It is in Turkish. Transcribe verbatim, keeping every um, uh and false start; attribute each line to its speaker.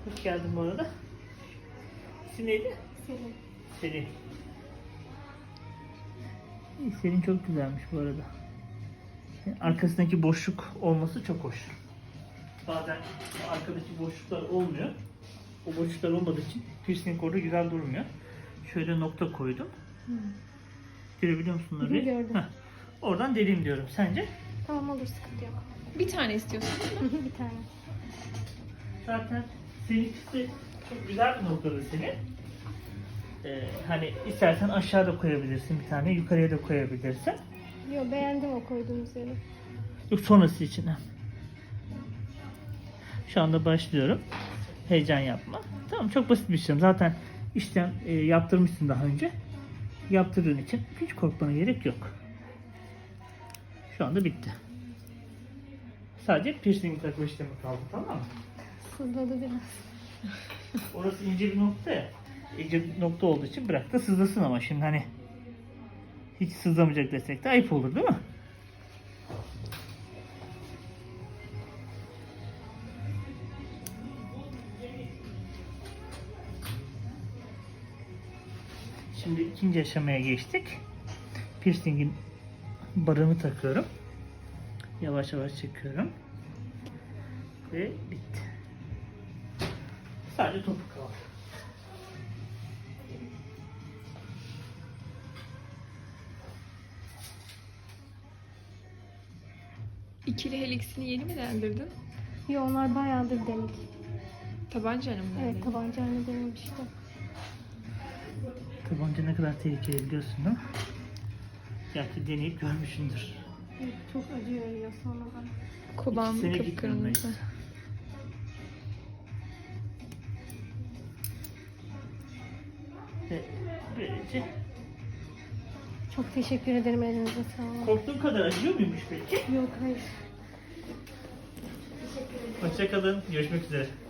Speaker 1: Hoş geldin bu arada. İsim neydi?
Speaker 2: Selin.
Speaker 1: Selin. İyi, Selin çok güzelmiş bu arada. Arkasındaki boşluk olması çok hoş. Bazen arkadaki boşluklar olmuyor. O boşluklar olmadığı için piercing orada güzel durmuyor. Şöyle nokta koydum.
Speaker 2: Hı.
Speaker 1: Görebiliyor musun orayı?
Speaker 2: Gördüm.
Speaker 1: Heh. Oradan deleyim diyorum. Sence?
Speaker 2: Tamam olur, sıkıntı yok.
Speaker 3: Bir tane istiyorsun.
Speaker 2: Bir tane.
Speaker 1: Zaten seninkisi çok güzel bir noktada senin. Ee, hani istersen aşağıda koyabilirsin bir tane, yukarıya da koyabilirsin.
Speaker 2: Yo, beğendim o koyduğumuz yeri.
Speaker 1: Yok, sonrası için. Şu anda başlıyorum. Heyecan yapma. Tamam, çok basit bir işlem. Zaten işlem e, yaptırmışsın daha önce. Yaptırdığın için hiç korkmana gerek yok. Şu anda bitti. Sadece piercing takma işlemi kaldı, tamam mı?
Speaker 2: Sızladı biraz.
Speaker 1: Orası ince bir nokta ya. İnce bir nokta olduğu için bırak da sızlasın, ama şimdi hani hiç sızlamayacak desek de ayıp olur, değil mi? Şimdi ikinci aşamaya geçtik. Piercing'in barını takıyorum. Yavaş yavaş çekiyorum. Ve bitti. Sadece topuk kaldı.
Speaker 3: İkili heliksini yeni mi deldirdin?
Speaker 2: Yo, onlar bayağıdır delik.
Speaker 3: Tabancayla mı
Speaker 2: Evet,
Speaker 3: deldirdin?
Speaker 2: tabancayla denemiştim.
Speaker 1: Tabanca ne kadar tehlikeli biliyorsun, değil mi? Gerçi deneyip görmüşsündür.
Speaker 2: Evet, çok acı veriyor sonradan.
Speaker 3: Kulağım
Speaker 1: İki sene
Speaker 3: kıpkırmızı.
Speaker 1: gitmemeyiz. Ve böylece
Speaker 2: Çok teşekkür ederim, elinize sağlık.
Speaker 1: korktuğum kadar acıyor muymuş peki?
Speaker 2: Yok, hayır.
Speaker 1: Hoşça kalın. Görüşmek üzere.